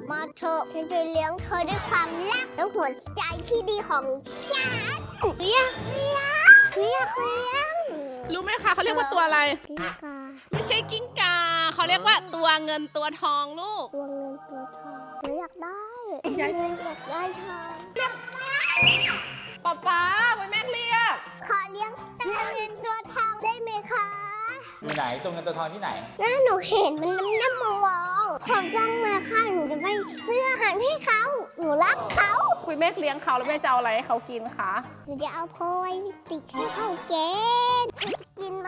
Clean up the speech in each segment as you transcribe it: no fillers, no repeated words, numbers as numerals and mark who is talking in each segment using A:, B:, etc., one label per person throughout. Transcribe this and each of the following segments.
A: มาเถอะฉันจะเลี้ยงเธอด้วยความรักและหัวใจที่ดีของฉันเลี้ยง
B: รู้ไหมคะเขาเรียกว่าตัวอะไร
A: กิ้งกา
B: ไม่ใช่กิ้งกาเขาเรียกว่าตัวเงินตัวทองลูก
A: ตัวเงินตัวทองหนูอยากได้
B: ยาย
A: เงินอยากได้ทอง
B: ป๊าไปแม่เรียก
A: ขอเลี้ยงตัวเงินตัวทองได้ไหมคะ
C: อยู่ไหนตัวเงินตัวทองที่ไหน
A: น่าหนูเห็นมันน้ำมองผมจ้องมาค่ะหนูจะไปซื้ออาหารให้เขาหนูรักเขา
B: คุยแม่เลี้ยงเขาแล้วแม่จะเอาอะไรให้เขากินคะ
A: หนูจะเอาโพยติดให้เขาเกณฑ์กินไหม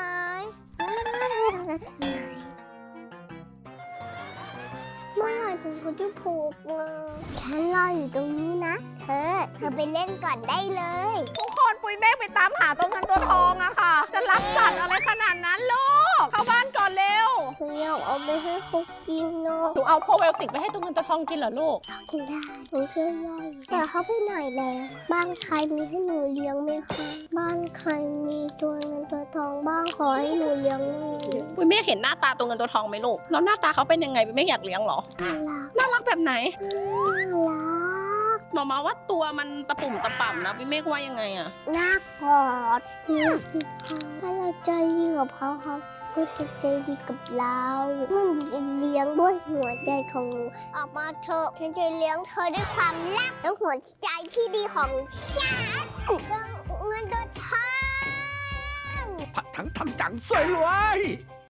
A: เมื่อไหร่ถึงเขาจะผูกเงาฉันรออยู่ตรงนี้นะเธอไปเล่นก่อนได้เลย
B: ทุกคนปุยเมฆไปตามหาตัวเงินตัวทองอะค่ะ จะรับสัตว์อะไรขนาดนั้นลูกเข้าบ้านก่อนเร็ว
A: หนูอยากเอาไปให้เขากินเนาะ
B: หนูเอาโพไบโอติกไปให้ตัวเงินตัวทองกินเหรอลูก
A: เขากินได้หนูช่วยย่อยแต่เขาไปไหนแล้วบ้านใครมีให้หนูเลี้ยงไหมคะบ้านใครมีตัวเงินตัวทองบ้างขอให้หนูเลี้ยงหน่อย
B: ปุยเมฆเห็นหน้าตาตัวเงินตัวทองไหมลูกแล้วหน้าตาเขาเป็นยังไงปุยเมฆอยากเลี้ยงเหรอ
A: น่ารัก
B: น่ารักแบบไหน
A: น่ารัก
B: หมอมาว่าตัวมันตะปุ่มตะป่ำนะปุยเมฆว่ายังไงอะ
A: น่ากอดน่าติดเขาถ้าเราใจดีกับเขาก็จะใจดีกับเรามันจะเลี้ยงด้วยหัวใจของหนูออกมาเถอะฉันจะเลี้ยงเธอด้วยความรักและหัวใจที่ดีของฉันเงินตัวทอง
D: ผัดทั้งทำจังสวยรวย